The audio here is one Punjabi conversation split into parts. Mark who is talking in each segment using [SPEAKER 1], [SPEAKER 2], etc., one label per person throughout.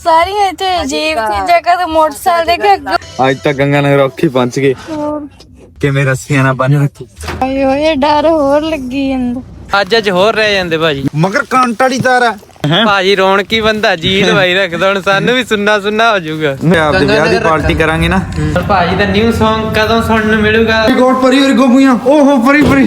[SPEAKER 1] ਸਾਰੀਆਂ ਇੱਥੇ ਅਜੀਬ ਚੀਜ਼ਾਂ ਕਦੇ ਮੋਟਰਸਾਈਕਲ ਦੇ ਕੇ
[SPEAKER 2] ਅੱਜ ਤਾਂ ਗੰਗਾ ਨਗਰ ਔਖੀ ਪਹੁੰਚ ਗਏ ਕਿਵੇਂ ਰੱਸੀਆਂ ਨਾਲ ਬੰਨ ਰੱਖੀ
[SPEAKER 1] ਆਏ ਹੋਏ ਡਰ ਹੋਰ ਲੱਗੀ ਜਾਂਦਾ।
[SPEAKER 3] ਅੱਜ ਹੋਰ ਰਹਿ ਜਾਂਦੇ ਭਾਜੀ
[SPEAKER 2] ਮਗਰ ਕੰਟ ਵਾਲੀ ਤਾਰ ਆ
[SPEAKER 3] ਭਾਜੀ ਰੌਣਕੀ ਬੰਦਾ ਜੀ ਲਵਾਈ ਰੱਖਦਾ ਹੁਣ ਸਾਨੂੰ ਵੀ ਸੁੰਨਾ ਹੋ ਜਾਊਗਾ।
[SPEAKER 2] ਆਪਦੇ ਵਿਆਹ ਦੀ ਪਾਰਟੀ ਕਰਾਂਗੇ ਨਾ।
[SPEAKER 3] ਭਾਜੀ ਦਾ ਨਿਊ Song ਕਦੋਂ ਸੁਣਨ ਨੂੰ ਮਿਲੂਗਾ?
[SPEAKER 2] ਗੋਡ ਪਰੀ ਔਰ ਗੋਪੀਆਂ ਓਹੋ ਪਰੀ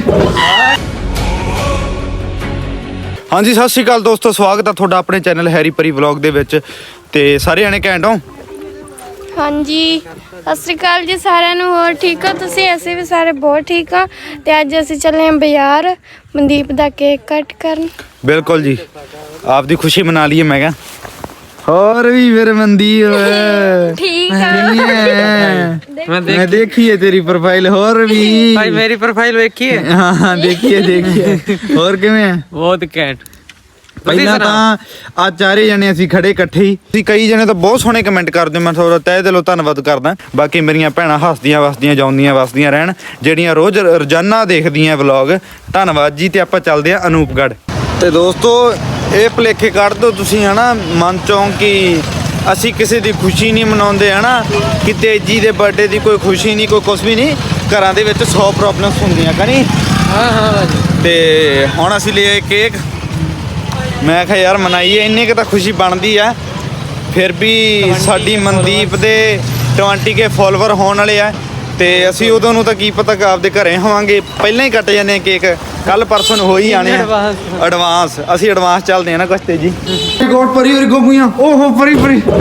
[SPEAKER 2] ਹਾਂਜੀ ਸਤਿ ਸ਼੍ਰੀ ਅਕਾਲ ਦੋਸਤੋ, ਸਵਾਗਤ ਹੈ ਤੁਹਾਡਾ ਆਪਣੇ ਚੈਨਲ ਹੈਰੀ ਪਰੀ ਵਲੌਗ ਦੇ ਵਿੱਚ। ਤੇ ਸਾਰੇ ਜਣੇ ਘੈਂਟ ਹੋ?
[SPEAKER 1] ਹਾਂਜੀ ਸਤਿ ਸ਼੍ਰੀ ਅਕਾਲ ਜੀ ਸਾਰਿਆਂ ਨੂੰ। ਹੋਰ ਠੀਕ ਹੋ ਤੁਸੀਂ? ਅਸੀਂ ਵੀ ਸਾਰੇ ਬਹੁਤ ਠੀਕ ਆ। ਤੇ ਅੱਜ ਅਸੀਂ ਚੱਲੇ ਹਾਂ ਬਾਜ਼ਾਰ ਮਨਦੀਪ ਦਾ ਕੇਕ ਕੱਟ ਕਰਨ।
[SPEAKER 2] ਬਿਲਕੁਲ ਜੀ, ਆਪਦੀ ਖੁਸ਼ੀ ਮਨਾ ਲਈਏ। ਮੈਂ ਕਿਹਾ ਹੋਰ ਵੀ ਫਿਰ ਮਨਦੀਪ
[SPEAKER 1] ਠੀਕ ਆ।
[SPEAKER 2] ਮੈਂ ਦੇਖੀਏ ਤੇਰੀ ਪ੍ਰੋਫਾਈਲ ਹੋਰ ਵੀ
[SPEAKER 3] ਭਾਈ ਮੇਰੀ ਪ੍ਰੋਫਾਈਲ ਵੇਖੀਏ?
[SPEAKER 2] ਹਾਂ ਦੇਖੀਏ ਹੋਰ ਕਿਵੇਂ ਆ?
[SPEAKER 3] ਬਹੁਤ ਘੈਂਟ।
[SPEAKER 2] ਪਹਿਲਾਂ ਤਾਂ ਆ ਚਾਰੇ ਜਣੇ ਅਸੀਂ ਖੜੇ ਇਕੱਠੇ ਹੀ। ਤੁਸੀਂ ਕਈ ਜਣੇ ਤਾਂ ਬਹੁਤ ਸੋਹਣੇ ਕਮੈਂਟ ਕਰਦੇ ਹੋ, ਮੈਂ ਤੁਹਾਡਾ ਤਹਿ ਦਿਲੋਂ ਧੰਨਵਾਦ ਕਰਦਾ। ਬਾਕੀ ਮੇਰੀਆਂ ਭੈਣਾਂ ਹੱਸਦੀਆਂ ਵਸਦੀਆਂ ਜਾਉਂਦੀਆਂ ਵਸਦੀਆਂ ਰਹਿਣ, ਜਿਹੜੀਆਂ ਰੋਜ਼ ਰੋਜ਼ਾਨਾ ਦੇਖਦੀਆਂ ਵਲੌਗ, ਧੰਨਵਾਦ ਜੀ। ਤੇ ਆਪਾਂ ਚੱਲਦੇ ਆ ਅਨੂਪਗੜ੍ਹ। ਤੇ ਦੋਸਤੋ ਇਹ ਭੁਲੇਖੇ ਕੱਢ ਦਿਓ ਤੁਸੀਂ ਹਨਾ ਮਨ ਚੋਂ ਕਿ ਅਸੀਂ ਕਿਸੇ ਦੀ ਖੁਸ਼ੀ ਨਹੀਂ ਮਨਾਉਂਦੇ ਹਨਾ, ਕਿ ਤੇਜੀ ਦੇ ਬਰਥਡੇ ਦੀ ਕੋਈ ਖੁਸ਼ੀ ਨਹੀਂ, ਕੋਈ ਕੁਛ ਵੀ ਨਹੀਂ। ਘਰਾਂ ਦੇ ਵਿੱਚ 100 ਪ੍ਰੋਬਲਮਸ ਹੁੰਦੀਆਂ ਕਨੀ।
[SPEAKER 3] ਹਾਂ ਭਾਜੀ।
[SPEAKER 2] ਤੇ ਹੁਣ ਅਸੀਂ ਲਿਆ ਕੇਕ। ਮੈਂ ਕਿਹਾ ਯਾਰ ਮਨਾਈਏ, ਇੰਨੀ ਕੁ ਤਾਂ ਖੁਸ਼ੀ ਬਣਦੀ ਆ। ਫਿਰ ਵੀ ਸਾਡੀ ਮਨਦੀਪ ਦੇ 20K ਫੋਲੋਵਰ ਹੋਣ ਵਾਲੇ ਆ, ਤੇ ਅਸੀਂ ਉਦੋਂ ਨੂੰ ਤਾਂ ਕੀ ਪਤਾ ਕਿ ਆਪਦੇ ਘਰੇ ਹੋਵਾਂਗੇ, ਪਹਿਲਾਂ ਹੀ ਕੱਟ ਜਾਂਦੇ ਆ ਕੇਕ। ਕੱਲ ਪਰਸੋਂ ਨੂੰ ਹੋ ਹੀ ਆਣੇ ਆ ਐਡਵਾਂਸ। ਅਸੀਂ ਐਡਵਾਂਸ ਚੱਲਦੇ ਆ ਨਾ ਕੁਛ ਤੇ ਜੀ। ਗੋਡ ਪਰੀ ਔਰ ਗੋਪੀਆਂ ਓਹੋ ਪਰੀ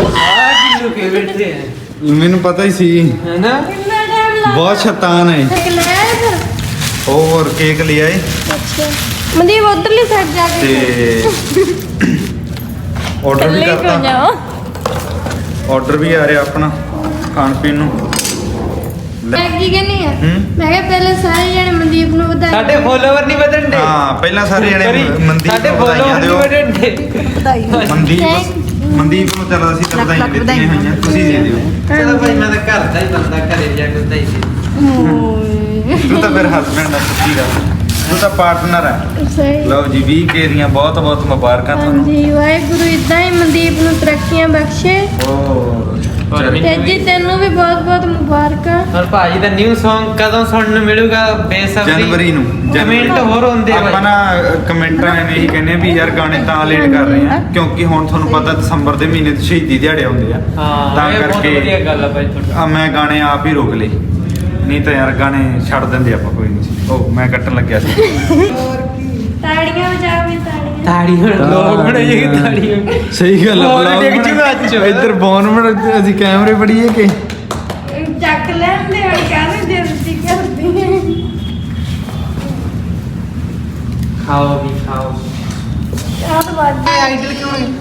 [SPEAKER 2] ਮੈਨੂੰ ਪਤਾ ਹੀ ਸੀ
[SPEAKER 3] ਹੈਨਾ,
[SPEAKER 2] ਬਹੁਤ ਸ਼ੈਤਾਨ ਹੈ। ਹੋਰ ਕੇਕ ਲਿਆ ਏ।
[SPEAKER 1] ਅੱਛਾ ਮਨਦੀਪ ਉਧਰਲੀ ਸਾਈਡ ਜਾ ਕੇ
[SPEAKER 2] ਤੇ ਆਰਡਰ ਵੀ ਕਰਤਾ, ਆਰਡਰ ਵੀ ਆ ਰਿਹਾ ਆਪਣਾ ਖਾਣ ਪੀਣ ਨੂੰ।
[SPEAKER 1] ਮੈਂ ਕੀ ਕਹਿੰਨੀ ਆ, ਮੈਂ ਕਿਹਾ ਪਹਿਲਾਂ ਸਾਰੇ ਜਣੇ ਮਨਦੀਪ ਨੂੰ ਵਧਾਈ।
[SPEAKER 3] ਸਾਡੇ ਫੋਲੋਵਰ ਨਹੀਂ ਵਧਣ ਦੇ।
[SPEAKER 2] ਹਾਂ ਪਹਿਲਾਂ ਸਾਰੇ ਜਣੇ ਮਨਦੀਪ
[SPEAKER 3] ਸਾਡੇ
[SPEAKER 2] ਨੂੰ ਵਧਾਈਆਂ
[SPEAKER 3] ਫੋਲੋਵਰ ਨਹੀਂ
[SPEAKER 2] ਦਿਓ।
[SPEAKER 3] ਵਧਣ ਦੇ।
[SPEAKER 2] ਮਨਦੀਪ ਨੂੰ ਚਲੋ ਅਸੀਂ ਤਾਂ ਵਧਾਈਆਂ ਦਿੱਤੀਆਂ ਹੋਈਆਂ, ਤੁਸੀਂ ਦੇ ਦਿਓ।
[SPEAKER 3] ਚਲੋ ਭਾਈ ਮੈਂ ਤਾਂ ਘਰ ਦਾ ਹੀ ਬੰਦਾ, ਘਰੇ ਜਾ ਕੇ ਵਧਾਈ ਦੇ।
[SPEAKER 2] ਤੂੰ ਤਾਂ ਫਿਰ ਹਸਬੈਂਡ ਆ, ਸੱਚੀ ਗੱਲ, ਤੂੰ ਤਾਂ ਪਾਰਟਨਰ ਹੈ।
[SPEAKER 1] ਸਹੀ।
[SPEAKER 2] ਲਓ ਜੀ 20K ਦੀਆਂ ਬਹੁਤ ਬਹੁਤ ਮੁਬਾਰਕਾਂ ਤੁਹਾਨੂੰ।
[SPEAKER 1] ਹਾਂਜੀ ਵਾਹਿਗੁਰੂ ਇਦਾਂ ਹੀ ਮਨਦੀਪ ਨੂੰ ਤਰੱਕੀਆਂ ਬਖਸ਼ੇ। ਤੇ ਜੀ ਤੈਨੂੰ ਵੀ ਬਹੁਤ ਬਹੁਤ ਮੁਬਾਰਕਾਂ।
[SPEAKER 3] ਔਰ ਭਾਜੀ ਦਾ ਨਿਊ Song ਕਦੋਂ ਸੁਣਨ ਨੂੰ ਮਿਲੂਗਾ? ਬੇਸਬਰੀ
[SPEAKER 2] ਜਨਵਰੀ ਨੂੰ।
[SPEAKER 3] ਕਮੈਂਟ ਹੋਰ ਹੁੰਦੇ ਆ
[SPEAKER 2] ਆਪਾਂ ਨਾ ਕਮੈਂਟਾਂ ਐਵੇਂ ਹੀ ਕਹਿੰਦੇ ਵੀ ਯਾਰ ਗਾਣੇ ਤਾਂ ਲੇਟ ਕਰ ਰਹੇ ਆ ਕਿਉਂਕਿ ਹੁਣ ਤੁਹਾਨੂੰ ਪਤਾ ਦਸੰਬਰ ਦੇ ਮਹੀਨੇ ਤੇ ਸ਼ਹੀਦੀ ਦਿਹਾੜੇ ਆਉਂਦੇ ਆ।
[SPEAKER 3] ਹਾਂ
[SPEAKER 2] ਤਾਂ
[SPEAKER 3] ਇਹ ਬਹੁਤ
[SPEAKER 2] ਕਰਕੇ
[SPEAKER 3] ਵਧੀਆ ਗੱਲ ਆ ਭਾਈ ਤੁਹਾਡੀ।
[SPEAKER 2] ਮੈਂ ਗਾਣੇ ਆਪ ਹੀ ਰੋਕ ਲਏ, ਨਹੀਂ ਤਾਂ ਯਾਰ ਗਾਣੇ ਛੱਡ ਦਿੰਦੇ ਆਪਾਂ ਕੋਈ ਨਹੀਂ। ਉਹ ਮੈਂ ਕੱਟਣ ਲੱਗਿਆ ਸੀ।
[SPEAKER 1] ਤਾੜੀਆਂ ਵਜਾਓ ਵੀ ਤਾੜੀਆਂ।
[SPEAKER 3] ਤਾੜੀਆਂ ਲੋਕ ਬਣਾਈਏ ਤਾੜੀਆਂ।
[SPEAKER 2] ਸਹੀ ਗੱਲ
[SPEAKER 3] ਆ ਦੇਖ ਜੂਗਾ ਅੱਜ
[SPEAKER 2] ਇੱਧਰ ਬੌਨ ਬਣ ਅਸੀਂ ਕੈਮਰੇ ਫੜੀਏ ਕਿ
[SPEAKER 1] ਚੱਕ ਲੈਂਦੇ ਹੁਣ ਕਾਹਨੂੰ ਜਲਦੀ ਕਰਦੀ ਹੈ।
[SPEAKER 3] ਖਾਓ ਵੀ ਖਾਓ।
[SPEAKER 1] ਆਹ ਤਾਂ ਬਾਜੀ ਆਈਡਲ ਕਿਉਂ ਹੈ?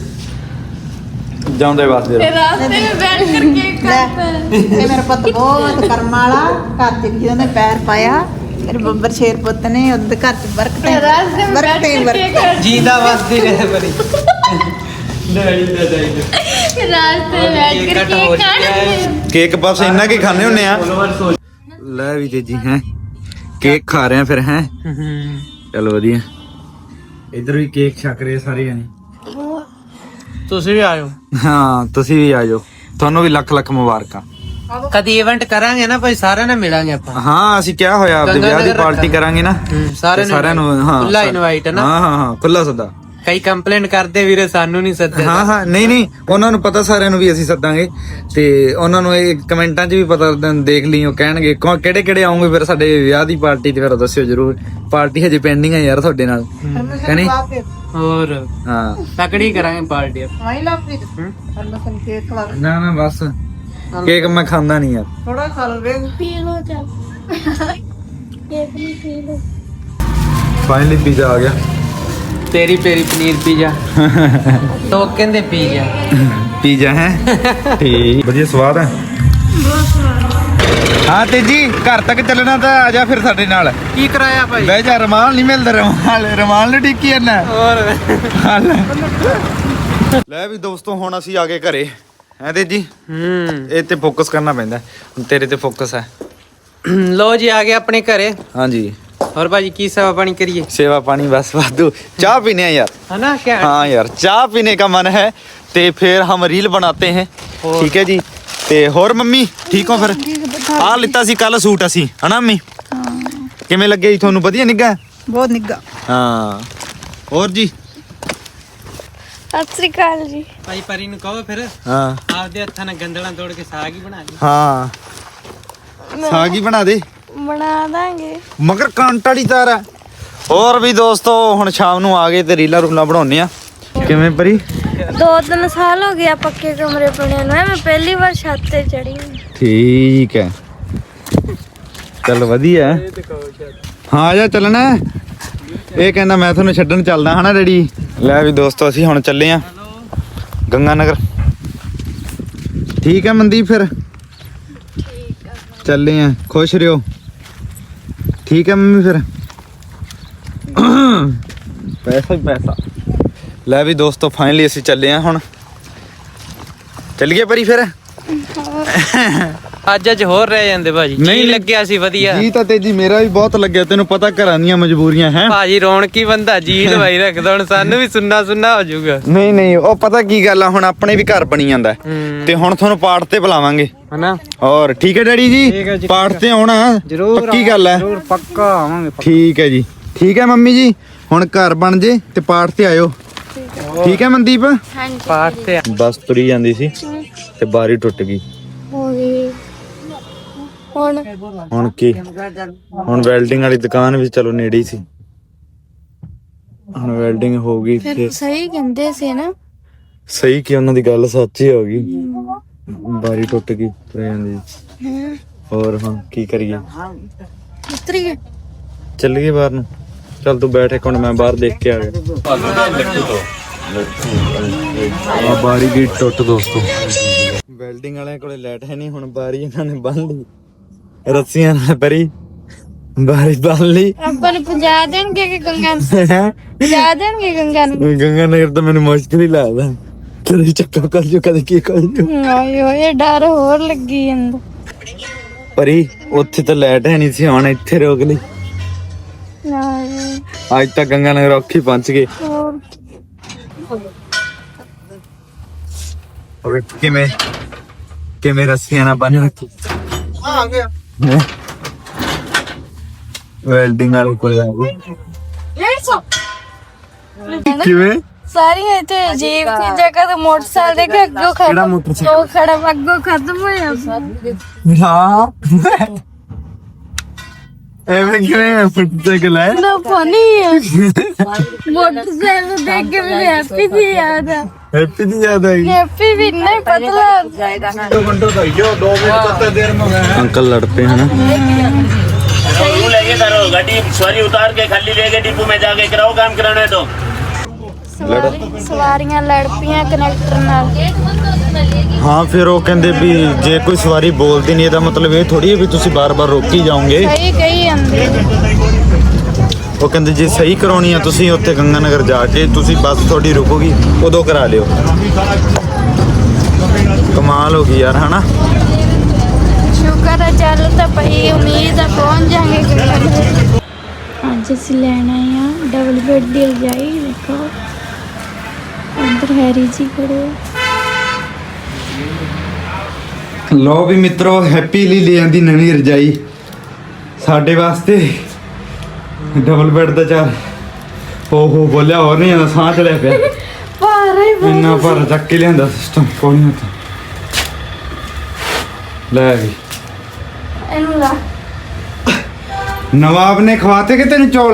[SPEAKER 2] ਜਾਂਦੇ ਵਾਸਤੇ
[SPEAKER 1] ਤੇ ਰਾਸਤੇ ਵਿੱਚ ਬੈਠ ਕਰਕੇ ਕੱਟ।
[SPEAKER 4] ਇਹ ਮੇਰਾ ਪੁੱਤ ਬਹੁਤ ਕਰਮ ਵਾਲਾ, ਘਰ ਚ ਜਿਹਦੇ ਪੈਰ ਪਾਇਆ ਮੇਰੇ ਬੱਬਰ ਸ਼ੇਰ ਪੁੱਤ ਨੇ ਉਹਦੇ ਘਰ ਚ
[SPEAKER 1] ਤੇ ਰਾਸਤੇ ਵਿੱਚ ਬੈਠ ਕਰਕੇ ਕੱਟ।
[SPEAKER 3] ਜੀਂਦਾ ਵਸਦੀ ਰਹੇ ਬਰੀ। ਨਹੀਂ
[SPEAKER 1] ਰਾਸਤੇ ਵਿੱਚ ਬੈਠ ਕਰਕੇ ਕੱਟ।
[SPEAKER 2] ਕੇਕ ਬਸ ਇੰਨਾ ਕੀ ਖਾਣੇ ਹੁੰਨੇ ਆ। ਲੈ ਵੀ ਜੀ ਹੈ ਕੇਕ ਖਾ ਰਹੇ ਆ ਫਿਰ ਹੈ। ਚਲ ਵਧੀਆ। ਇੱਧਰ ਵੀ ਕੇਕ ਛਕ ਰਹੇ ਸਾਰੇ ਜਣੇ।
[SPEAKER 3] ਤੁਸੀਂ ਵੀ ਆਇਓ।
[SPEAKER 2] ਹਾਂ ਤੁਸੀਂ ਵੀ ਆ ਜਾਓ, ਤੁਹਾਨੂੰ ਵੀ ਲੱਖ ਲੱਖ ਮੁਬਾਰਕਾਂ।
[SPEAKER 3] ਕਦੀ ਇਵੈਂਟ ਕਰਾਂਗੇ ਨਾ ਭਾਈ, ਸਾਰਿਆਂ ਨਾਲ ਮਿਲਾਂਗੇ ਆਪਾਂ।
[SPEAKER 2] ਹਾਂ ਅਸੀਂ ਕਿਹਾ ਹੋਇਆ ਆਪਦੇ ਵਿਆਹ ਦੀ ਪਾਰਟੀ ਕਰਾਂਗੇ ਨਾ, ਸਾਰਿਆਂ ਨੂੰ। ਹਾਂ
[SPEAKER 3] ਖੁੱਲਾ ਇਨਵਾਈਟ ਹੈ ਨਾ।
[SPEAKER 2] ਹਾਂ ਖੁੱਲਾ ਸੱਦਾ।
[SPEAKER 3] ਕਈ ਕੰਪਲੇਂਟ ਕਰਦੇ ਵੀਰੇ ਸਾਨੂੰ ਨਹੀਂ ਸੱਦੇ।
[SPEAKER 2] ਹਾਂ ਨਹੀਂ ਉਹਨਾਂ ਨੂੰ ਪਤਾ ਸਾਰਿਆਂ ਨੂੰ ਵੀ ਅਸੀਂ ਸੱਦਾਂਗੇ। ਤੇ ਉਹਨਾਂ ਨੂੰ ਇਹ ਕਮੈਂਟਾਂ 'ਚ ਵੀ ਪਤਾ ਦੇਖ ਲਈ, ਉਹ ਕਹਿਣਗੇ ਕਿਹੜੇ ਕਿਹੜੇ ਆਉਂਗੇ ਫਿਰ ਸਾਡੇ ਵਿਆਹ ਦੀ ਪਾਰਟੀ ਤੇ। ਫਿਰ ਦੱਸਿਓ ਜਰੂਰ, ਪਾਰਟੀ ਹਜੇ ਪੈਂਡਿੰਗ ਹੈ ਯਾਰ ਤੁਹਾਡੇ ਨਾਲ, ਕਹਿੰਦੇ
[SPEAKER 3] ਹੋਰ।
[SPEAKER 2] ਹਾਂ
[SPEAKER 3] ਤਕੜੀ ਕਰਾਂਗੇ ਪਾਰਟੀ।
[SPEAKER 4] ਵਾਈ ਲਾਪੀ ਪਰਮੇਸ਼ਰ ਕੇਕ ਖਵਾ
[SPEAKER 2] ਨਾ ਬਸ ਕੇਕ ਮੈਂ ਖਾਂਦਾ ਨਹੀਂ ਯਾਰ।
[SPEAKER 4] ਥੋੜਾ ਖਾ ਲਵੇ।
[SPEAKER 1] ਪੀ ਲੋ ਚੱਲ ਕੇਕ ਨਹੀਂ ਪੀ ਲੋ।
[SPEAKER 2] ਫਾਈਨਲੀ ਪੀਜ਼ਾ ਆ ਗਿਆ।
[SPEAKER 3] ਤੇਰੀ ਪੇਰੀ ਪਨੀਰ ਪੀਜ਼ਾ। ਲੋਕ ਕਹਿੰਦੇ ਪੀਜ਼ਾ।
[SPEAKER 2] ਪੀਜ਼ਾ ਹੈ ਠੀਕ, ਵਧੀਆ ਸਵਾਦ ਹੈ। ਹਾਂ ਤੇ ਜੀ ਘਰ ਤੱਕ ਚੱਲਣਾ ਤਾਂ ਆ ਜਾ ਫਿਰ ਸਾਡੇ ਨਾਲ।
[SPEAKER 3] ਕੀ ਕਰਾਇਆ ਭਾਈ?
[SPEAKER 2] ਬਹਿ ਜਾ, ਰਮਾਲ ਨਹੀਂ ਮਿਲਦਾ। ਰਮਾਲ ਨੂੰ ਟਿੱਕੀ ਜਾਂਦਾ।
[SPEAKER 3] ਹੋਰ
[SPEAKER 2] ਲੈ ਵੀ ਦੋਸਤੋ ਹੁਣ ਅਸੀਂ ਆ ਗਏ ਘਰੇ ਹੈ ਤੇ ਜੀ। ਇਹ ਤੇ ਫੋਕਸ ਕਰਨਾ ਪੈਂਦਾ, ਤੇਰੇ ਤੇ ਫੋਕਸ ਹੈ।
[SPEAKER 3] ਲੋ ਜੀ ਆ ਗਏ ਆਪਣੇ ਘਰੇ।
[SPEAKER 2] ਹਾਂਜੀ
[SPEAKER 3] और भाजी की सेवा पानी करिए?
[SPEAKER 2] सेवा पानी बस वादू, चाय पीने हैं यार,
[SPEAKER 3] है ना क्या?
[SPEAKER 2] हाँ यार चाय पीने का मन है ਤੇ ਫਿਰ ਹਮ ਰੀਲ ਬਣਾਤੇ हैं ਠੀਕ ਹੈ ਜੀ। ਤੇ ਹੋਰ ਮੰਮੀ ਠੀਕ ਹੋ ਫਿਰ? ਆ ਲਿੱਤਾ ਸੀ ਕੱਲ ਸੂਟ ਅਸੀਂ ਹਨਾ ਮੰਮੀ? ਕਿਵੇਂ ਲੱਗਿਆ ਜੀ ਤੁਹਾਨੂੰ? ਵਧੀਆ ਨਿੱਘਾ?
[SPEAKER 4] ਬਹੁਤ ਨਿੱਘਾ।
[SPEAKER 2] ਹਾਂ ਹੋਰ ਜੀ?
[SPEAKER 1] ਸਤਿ ਸ੍ਰੀ ਅਕਾਲ ਜੀ।
[SPEAKER 3] ਭਾਈ ਪਰੀ ਨੂੰ ਕਹੋ ਫਿਰ
[SPEAKER 2] ਹਾਂ
[SPEAKER 3] ਆਪਦੇ ਹੱਥਾਂ ਨਾਲ ਗੰਦਲਾਂ ਤੋੜ ਕੇ ਸਾਗ ਹੀ ਬਣਾ ਲਈ।
[SPEAKER 2] ਹਾਂ ਸਾਗ ਹੀ ਬਣਾ ਦੇ।
[SPEAKER 1] ਬਣਾ ਦਾਂਗੇ।
[SPEAKER 2] ਮਗਰ ਕੰਟ ਵਾਲੀ ਤਾਰ ਆ। ਹੋਰ ਵੀ ਦੋਸਤੋ ਹੁਣ ਸ਼ਾਮ ਨੂੰ ਆ ਗਏ ਤੇ ਰੀਲਾਂ ਰੂਲਾਂ ਬਣਾਉਣੇ ਆ। ਕਿਵੇਂ ਪਰੀ?
[SPEAKER 1] 2-3 ਸਾਲ ਹੋ ਗਿਆ ਪੱਕੇ ਕਮਰੇ ਬਣੇ ਨੂੰ। ਮੈਂ ਪਹਿਲੀ ਵਾਰ ਛੱਤ ਤੇ ਚੜੀ।
[SPEAKER 2] ਠੀਕ ਹੈ ਚੱਲ ਵਧੀਆ। ਹਾਂ ਆ ਜਾ ਚੱਲਣਾ। ਇਹ ਕਹਿੰਦਾ ਮੈਂ ਤੁਹਾਨੂੰ ਛੱਡਣ ਚੱਲਦਾ ਹਨਾ ਡੈਡੀ। ਲੈ ਵੀ ਦੋਸਤੋ ਅਸੀਂ ਹੁਣ ਚੱਲੇ ਆ ਗੰਗਾ ਨਗਰ। ਠੀਕ ਹੈ ਮਨਦੀਪ ਫਿਰ ਚੱਲੇ ਆ। ਖੁਸ਼ ਰਹੋ ਠੀਕ ਹੈ ਮੰਮੀ ਫਿਰ। ਪੈਸਾ ਹੀ ਪੈਸਾ। ਲੈ ਵੀ ਦੋਸਤੋ ਫਾਈਨਲੀ ਅਸੀਂ ਚੱਲੇ ਆ ਹੁਣ। ਚੱਲੀਏ ਪਰੀ ਫਿਰ।
[SPEAKER 3] ਅੱਜ ਹੋਰ ਰਹਿ ਜਾਂਦੇ ਭਾਜੀ। ਨਹੀਂ ਲੱਗਿਆ ਸੀ ਵਧੀਆ
[SPEAKER 2] ਜੀ ਤਾਂ ਤੇਜੀ ਮੇਰਾ ਵੀ ਬਹੁਤ ਲੱਗਿਆ। ਤੈਨੂੰ ਪਤਾ ਘਰਾਂ ਦੀਆਂ ਮਜਬੂਰੀਆਂ ਹੈ
[SPEAKER 3] ਭਾਜੀ। ਰੌਣਕੀ ਬੰਦਾ ਜੀ ਲਵਾਈ ਰੱਖਦਾ। ਹੁਣ ਸਾਨੂੰ ਵੀ ਸੁੰਨਾ ਸੁੰਨਾ ਹੋ ਜਾਊਗਾ।
[SPEAKER 2] ਨਹੀਂ ਉਹ ਪਤਾ ਕੀ ਗੱਲ ਆ ਹੁਣ ਆਪਣੇ ਵੀ ਘਰ ਬਣੀ ਜਾਂਦਾ ਤੇ ਹੁਣ ਤੁਹਾਨੂੰ ਪਾਠ ਤੇ ਬੁਲਾਵਾਂਗੇ
[SPEAKER 3] ਹਨਾ।
[SPEAKER 2] ਔਰ ਠੀਕ ਹੈ ਡੈਡੀ ਜੀ ਪਾਠ ਤੇ ਆਉਣਾ
[SPEAKER 3] ਜ਼ਰੂਰ
[SPEAKER 2] ਪੱਕੀ ਗੱਲ ਹੈ।
[SPEAKER 3] ਜ਼ਰੂਰ ਪੱਕਾ ਆਵਾਂਗੇ।
[SPEAKER 2] ਠੀਕ ਹੈ ਜੀ ਠੀਕ ਹੈ ਮੰਮੀ ਜੀ। ਹੁਣ ਘਰ ਬਣ ਜੇ ਤੇ ਪਾਠ ਤੇ ਆਇਓ ਠੀਕ ਹੈ ਮਨਦੀਪ?
[SPEAKER 1] ਹਾਂਜੀ
[SPEAKER 3] ਪਾਠ ਤੇ
[SPEAKER 2] ਬੱਸ ਤੁਰੀ ਜਾਂਦੀ ਸੀ ਤੇ ਬਾਰੀ ਟੁੱਟ ਗਈ।
[SPEAKER 1] ਹੋ ਗਈ।
[SPEAKER 2] ਹੁਣ ਕੀ? ਹੁਣ ਵੈਲਡਿੰਗ ਵਾਲੀ ਦੁਕਾਨ ਵੀ ਚਲੋ ਨੇੜੇ ਹੀ ਸੀ। ਹੁਣ ਵੈਲਡਿੰਗ ਹੋ ਗਈ ਤੇ
[SPEAKER 1] ਸਹੀ ਕਹਿੰਦੇ ਸੀ ਨਾ।
[SPEAKER 2] ਸਹੀ ਕਿ ਉਹਨਾਂ ਦੀ ਗੱਲ ਸੱਚ ਹੀ ਹੋ ਗਈ। ਬਾਰੀ ਟੁੱਟ ਗਈ ਤੁਰ ਜਾਂਦੀ। ਹੋਰ ਹੁਣ ਕੀ ਕਰੀਏ?
[SPEAKER 1] ਉਤਰੀ
[SPEAKER 2] ਚੱਲੀਏ ਬਾਹਰ ਨੂੰ। ਚੱਲ ਤੂੰ ਬੈਠ ਇੱਕ ਮਿੰਟ ਮੈਂ ਬਾਹਰ ਦੇਖ ਕੇ ਆ ਗਿਆ। ਆ ਬਾਰੀ ਦੀ ਟੁੱਟ ਦੋਸਤੋ। ਵੈਲਡਿੰਗ ਵਾਲਿਆਂ ਕੋਲੇ ਲਾਈਟ ਹੈ ਨਹੀਂ। ਹੁਣ ਬਾਰੀ ਇਹਨਾਂ ਨੇ ਬੰਨ ਲਈ ਰੱਸੀਆਂ ਨਾਲ। ਪਰੀ ਬਾਰੀ ਬੰਨ ਲਈ।
[SPEAKER 1] ਆਪਾਂ ਨੂੰ ਪਹੁੰਚਾ ਦੇਣਗੇ ਕਿ ਗੰਗਾ ਨੂੰ ਪਹੁੰਚਾ ਦੇਣਗੇ ਗੰਗਾ ਨੂੰ?
[SPEAKER 2] ਗੰਗਾ ਨਗਰ ਤਾਂ ਮੈਨੂੰ ਮੁਸ਼ਕਿਲ ਹੀ ਲੱਗਦਾ। ਕਦੇ ਚੱਕਰ ਕਰ ਜੋ ਕਦੇ ਕੀ ਕਰ ਜੋ।
[SPEAKER 1] ਆਏ ਓਏ ਡਰ ਹੋਰ ਲੱਗੀ ਜਾਂਦਾ।
[SPEAKER 2] ਪਰੀ ਉੱਥੇ ਤਾਂ ਲਾਈਟ ਹੈ ਨਹੀਂ ਸੀ। ਹੁਣ ਇੱਥੇ ਰੋਕ ਲਈ। ਅੱਜ ਤਾਂ ਗੰਗਾ ਨਗਰ ਔਖੀ ਪਹੁੰਚ ਗਏ। ਹੋਰ ਕਿਵੇਂ ਰੱਸੀਆਂ ਨਾਲ ਬੰਨ ਰੱਖੀ। ਆ ਗਿਆ ਵੈਲਡਿੰਗ ਵਾਲੇ ਕੋਲ ਆ ਗਏ। ਕਿਵੇਂ
[SPEAKER 1] ਸਾਰੀਆਂ ਇੱਥੇ ਅਜੀਬ ਦੀ ਜਗ੍ਹਾ ਤੇ ਮੋਟਰਸਾਈਕਲ ਦੇ ਕੇ ਅੱਗੋਂ ਖੜਾ ਉਹ ਖੜਾ ਅੱਗੋਂ ਖਤਮ ਹੋਇਆ।
[SPEAKER 2] ਹਾਂ ਐਵੇਂ ਕਿਵੇਂ ਮੋਟਰਸਾਈਕਲ ਹੈ
[SPEAKER 1] ਨਾ ਫਨੀ ਹੈ। ਮੋਟਰਸਾਈਕਲ ਦੇਖ ਕੇ ਮੈਨੂੰ ਹੈਪੀ ਦੀ ਯਾਦ ਆ।
[SPEAKER 2] ਹੈਪੀ ਦੀ ਯਾਦ ਆਈ।
[SPEAKER 1] ਹੈਪੀ ਵੀ ਨਹੀਂ ਪਤਲਾ
[SPEAKER 2] अंकल लड़ पे है ना।
[SPEAKER 5] लेके करो गाड़ी सवारी उतार के खाली लेके डिपो में जाके कराओ काम कराना है तो।
[SPEAKER 1] ਸਵਾਰੀਆਂ ਲੜ ਪਈਆਂ ਕਨੈਕਟਰ ਨਾਲ।
[SPEAKER 2] हाँ फिर वो कहते भी जे कोई सवारी बोलती नहीं ਇਹਦਾ ਮਤਲਬ ਇਹ ਥੋੜੀ ਹੈ ਵੀ ਤੁਸੀਂ ਬਾਰ-ਬਾਰ ਰੋਕੀ ਜਾਓਗੇ।
[SPEAKER 1] ਸਹੀ ਕਹੀ ਜਾਂਦੇ।
[SPEAKER 2] ਉਹ ਕਹਿੰਦੇ ਜੇ ਸਹੀ ਕਰਾਉਣੀ ਆ ਤੁਸੀਂ ਉੱਥੇ ਗੰਗਾ ਨਗਰ ਜਾ ਕੇ ਤੁਸੀਂ ਬੱਸ ਤੁਹਾਡੀ ਰੁਕੋਗੀ ਉਦੋਂ ਕਰਾ ਲਿਓ। ਕਮਾਲ ਹੋ ਗਈ ਯਾਰ ਹਨਾ।
[SPEAKER 1] ਸ਼ੁਕਰ ਹੈ ਚੱਲ ਤਾਂ ਪਈ। ਉਮੀਦ ਆ ਪਹੁੰਚ ਜਾਵਾਂਗੇ। ਅੱਜ ਅਸੀਂ ਲੈਣਾ ਆ ਡਬਲ ਬੈੱਡ ਦੀ ਰਜਾਈ। ਦੇਖੋ ਅੰਦਰ ਹੈਰੀ ਜੀ ਖੜੇ।
[SPEAKER 2] ਲੋ ਵੀ ਮਿੱਤਰੋ ਹੈਪੀ ਲਈ ਲੈ ਆਂਦੀ ਨਵੀਂ ਰਜਾਈ ਸਾਡੇ ਵਾਸਤੇ। ਡਬਲ ਬੈੱਡ ਦਾ ਚਾਰ ਹੋ ਬੋਲਿਆ ਹੋਰ ਨਹੀਂ ਆਉਂਦਾ। ਸਾਹ ਚੜਿਆ ਪਿਆ
[SPEAKER 1] ਭਾਰੇ
[SPEAKER 2] ਇੰਨਾ ਭਾਰਾ ਚੱਕ ਕੇ ਲਿਆਂਦਾ ਸਿਸਟਮ ਕੋਈ ਨਹੀਂ। ਲੈ ਵੀ
[SPEAKER 1] ਇਹਨੂੰ ਲਾ।
[SPEAKER 2] ਨਵਾਬ ਨੇ ਖਵਾਤੇ ਕਿ ਤੈਨੂੰ ਚੌਲ?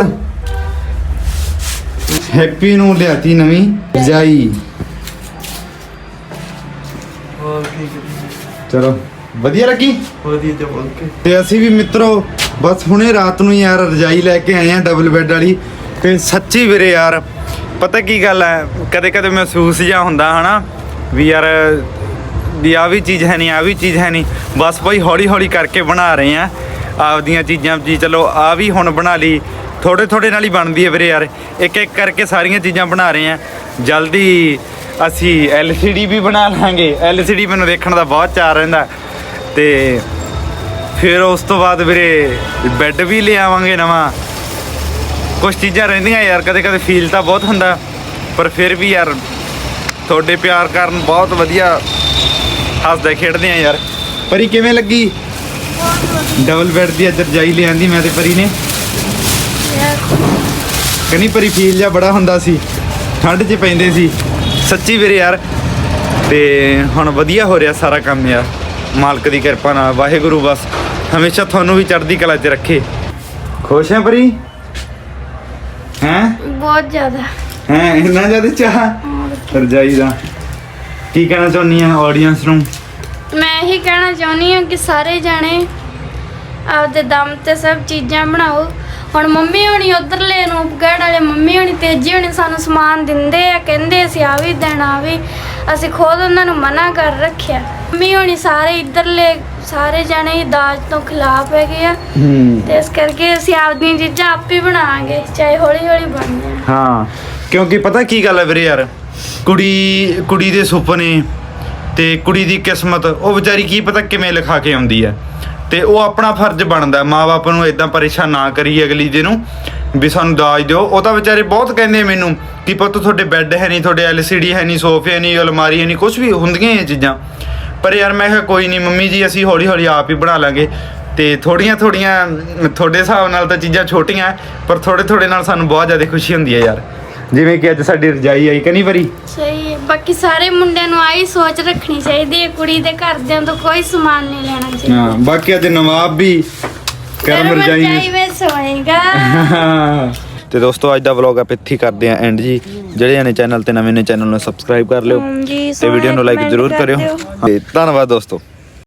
[SPEAKER 2] ਹੈਪੀ ਨੂੰ ਲਿਆਤੀ ਨਵੀਂ ਰਜਾਈ। ਚਲੋ ਵਧੀਆ ਲੱਗੀ।
[SPEAKER 3] ਵਧੀਆ ਤੇ ਬੋਲ ਕੇ
[SPEAKER 2] ਤੇ ਅਸੀਂ ਵੀ ਮਿੱਤਰੋ ਬਸ ਹੁਣੇ ਰਾਤ ਨੂੰ ਯਾਰ ਰਜਾਈ ਲੈ ਕੇ ਆਏ ਆ ਡਬਲ ਬੈੱਡ ਵਾਲੀ। ਤੇ ਸੱਚੀ ਵੀਰੇ ਯਾਰ ਪਤਾ ਕੀ ਗੱਲ ਹੈ ਕਦੇ ਕਦੇ ਮਹਿਸੂਸ ਜਿਹਾ ਹੁੰਦਾ ਹਨਾ ਵੀ ਯਾਰ ਵੀ ਆ ਵੀ ਚੀਜ਼ ਹੈ ਨਹੀਂ ਆ ਵੀ ਚੀਜ਼ ਹੈ ਨਹੀਂ। ਬਸ ਭਾਈ ਹੌਲੀ ਹੌਲੀ ਕਰਕੇ ਬਣਾ ਰਹੇ ਆ ਆਪਦੀਆਂ ਚੀਜ਼ਾਂ ਜੀ। ਚਲੋ ਆ ਵੀ ਹੁਣ ਬਣਾ ਲਈ ਥੋੜੇ ਨਾਲ ਹੀ ਬਣਦੀ ਹੈ ਵੀਰੇ ਯਾਰ। ਇੱਕ ਇੱਕ ਕਰਕੇ ਸਾਰੀਆਂ ਚੀਜ਼ਾਂ ਬਣਾ ਰਹੇ ਆ। ਜਲਦੀ ਅਸੀਂ LCD ਵੀ ਬਣਾ ਲਾਂਗੇ। LCD ਮੈਨੂੰ ਦੇਖਣ ਦਾ ਬਹੁਤ ਚਾਅ ਰਹਿੰਦਾ। ਤੇ ਫਿਰ ਉਸ ਤੋਂ ਬਾਅਦ ਵੀਰੇ ਬੈੱਡ ਵੀ ਲੈ ਆਵਾਂਗੇ ਨਵਾਂ। ਕੁਛ ਚੀਜ਼ਾਂ ਰਹਿੰਦੀਆਂ ਯਾਰ ਕਦੇ ਕਦੇ ਫੀਲ ਤਾਂ ਬਹੁਤ ਹੁੰਦਾ ਪਰ ਫਿਰ ਵੀ ਯਾਰ ਤੁਹਾਡੇ ਪਿਆਰ ਕਾਰਨ ਬਹੁਤ ਵਧੀਆ ਹੱਸਦੇ ਖੇਡਦੇ ਆ ਯਾਰ। ਪਰੀ ਕਿਵੇਂ ਲੱਗੀ ਡਬਲ ਬੈੱਡ ਦੀ ਅੱਜ ਰਜਾਈ ਲਿਆਂਦੀ ਮੈਂ ਤੇ ਪਰੀ ਨੇ? ਕਹਿੰਦੀ ਪਰੀ ਫੀਲ ਜਿਹਾ ਬੜਾ ਹੁੰਦਾ ਸੀ, ਠੰਡ 'ਚ ਪੈਂਦੇ ਸੀ। ਸੱਚੀ ਵੀਰੇ ਯਾਰ, ਤੇ ਹੁਣ ਵਧੀਆ ਹੋ ਰਿਹਾ ਸਾਰਾ ਕੰਮ ਯਾਰ, ਮਾਲਕ ਦੀ ਕਿਰਪਾ ਨਾਲ। ਵਾਹਿਗੁਰੂ ਬਸ ਹਮੇਸ਼ਾ ਤੁਹਾਨੂੰ ਵੀ ਚੜ੍ਹਦੀ ਕਲਾ 'ਚ ਰੱਖੇ। ਖੁਸ਼ ਹੈ ਪਰੀ? ਹੈਂ
[SPEAKER 1] ਬਹੁਤ ਜ਼ਿਆਦਾ।
[SPEAKER 2] ਹੈਂ ਇੰਨਾ ਜ਼ਿਆਦਾ ਚਾਹ ਰਜਾਈ ਦਾ? ਕੀ ਕਹਿਣਾ ਚਾਹੁੰਦੀ ਆ ਆਡੀਅנס ਨੂੰ?
[SPEAKER 1] ਮੈਂ ਇਹੀ ਕਹਿਣਾ ਚਾਹੁੰਦੀ ਹਾਂ ਕਿ ਸਾਰੇ ਜਾਣੇ ਆਪਦੇ ਦਮ ਤੇ ਸਭ ਚੀਜ਼ਾਂ ਬਣਾਓ। ਹੁਣ ਮੰਮੀ ਹੋਣੀ ਉਧਰਲੇ ਰੂਪਗੜ੍ਹ ਵਾਲੇ ਮੰਮੀ ਹੋਣੀ ਤੇਜੀ ਹੋਣੀ ਸਾਨੂੰ ਸਮਾਨ ਦਿੰਦੇ ਆ, ਕਹਿੰਦੇ ਅਸੀਂ ਆ ਵੀ ਦੇਣਾ ਵੀ, ਅਸੀਂ ਖੁਦ ਉਹਨਾਂ ਨੂੰ ਮਨਾ ਕਰ ਰੱਖਿਆ। ਮੰਮੀ ਹੋਣੀ ਸਾਰੇ ਇੱਧਰਲੇ ਸਾਰੇ ਜਾਣੇ ਦਾਜ ਤੋਂ ਖਿਲਾਫ ਹੈਗੇ ਆ, ਤੇ ਇਸ ਕਰਕੇ ਅਸੀਂ ਆਪਦੀਆਂ ਚੀਜ਼ਾਂ ਆਪ ਹੀ ਬਣਾਵਾਂਗੇ, ਚਾਹੇ ਹੌਲੀ ਹੌਲੀ ਬਣ ਜਾਣ।
[SPEAKER 2] ਹਾਂ, ਕਿਉਂਕਿ ਪਤਾ ਕੀ ਗੱਲ ਹੈ ਵੀਰੇ ਯਾਰ, ਕੁੜੀ ਦੇ ਸੁਪਨੇ ਤੇ ਕੁੜੀ ਦੀ ਕਿਸਮਤ ਉਹ ਵਿਚਾਰੀ ਕੀ ਪਤਾ ਕਿਵੇਂ ਲਿਖਾ ਕੇ ਆਉਂਦੀ ਹੈ, ਤੇ ਉਹ ਆਪਣਾ ਫਰਜ਼ ਬਣਦਾ ਮਾਂ-ਬਾਪ ਨੂੰ ਇਦਾਂ ਪਰੇਸ਼ਾਨ ਨਾ ਕਰੀ ਅਗਲੀ ਦੇ ਨੂੰ ਵੀ ਸਾਨੂੰ ਦਾਜ ਦਿਓ। ਉਹ ਤਾਂ ਵਿਚਾਰੇ ਬਹੁਤ ਕਹਿੰਦੇ ਮੈਨੂੰ ਕਿ ਪੁੱਤ ਤੁਹਾਡੇ ਬੈੱਡ ਹੈ ਨਹੀਂ, ਤੁਹਾਡੇ LCD ਹੈ ਨਹੀਂ, ਸੋਫੇ ਨਹੀਂ, ਅਲਮਾਰੀ ਹੈ ਨਹੀਂ, ਕੁਝ ਵੀ ਹੁੰਦੀਆਂ ਇਹ ਚੀਜ਼ਾਂ। ਪਰ ਯਾਰ ਮੈਂ ਕਿਹਾ ਕੋਈ ਨਹੀਂ ਮੰਮੀ ਜੀ, ਅਸੀਂ ਹੌਲੀ ਹੌਲੀ ਆਪ ਹੀ ਬਣਾ ਲਾਂਗੇ। ਤੇ ਥੋੜੀਆਂ ਤੁਹਾਡੇ ਹਿਸਾਬ ਨਾਲ ਤਾਂ ਚੀਜ਼ਾਂ ਛੋਟੀਆਂ, ਪਰ ਥੋੜੇ ਨਾਲ ਸਾਨੂੰ ਬਹੁਤ ਜ਼ਿਆਦਾ ਖੁਸ਼ੀ ਹੁੰਦੀ ਹੈ ਯਾਰ। ਜਿਵੇਂ ਕਿ ਅੱਜ ਸਾਡੀ ਰਜਾਈ ਆਈ, ਕਨੀ ਵਾਰੀ
[SPEAKER 1] ਸਹੀ ਹੈ। ਬਾਕੀ ਸਾਰੇ ਮੁੰਡਿਆਂ ਨੂੰ ਆਹੀ ਸੋਚ ਰੱਖਣੀ ਚਾਹੀਦੀ ਹੈ, ਕੁੜੀ ਦੇ ਘਰਦਿਆਂ ਤੋਂ ਕੋਈ ਸਮਾਨ ਨਹੀਂ ਲੈਣਾ ਚਾਹੀਦਾ।
[SPEAKER 2] ਹਾਂ, ਬਾਕੀ ਅੱਜ ਨਵਾਬ ਵੀ ਕਰਮ ਰਜਾਈ
[SPEAKER 1] ਵਿੱਚ ਸੋਏਗਾ।
[SPEAKER 2] ਤੇ ਦੋਸਤੋ ਅੱਜ ਦਾ ਵਲੌਗ ਆਪਾਂ ਇੱਥੇ ਕਰਦੇ ਆਂ ਐਂਡ ਜੀ। ਜਿਹੜੇ ਨੇ ਚੈਨਲ ਤੇ ਨਵੇਂ ਨੇ ਚੈਨਲ ਨੂੰ ਸਬਸਕ੍ਰਾਈਬ ਕਰ ਲਿਓ
[SPEAKER 1] ਜੀ,
[SPEAKER 2] ਤੇ ਵੀਡੀਓ ਨੂੰ ਲਾਈਕ
[SPEAKER 1] comment
[SPEAKER 2] ਜ਼ਰੂਰ
[SPEAKER 1] ਕਰ
[SPEAKER 2] ਕਰਿਓ
[SPEAKER 1] ਦਿਓ।
[SPEAKER 2] ਤੇ ਧੰਨਵਾਦ ਦੋਸਤੋ।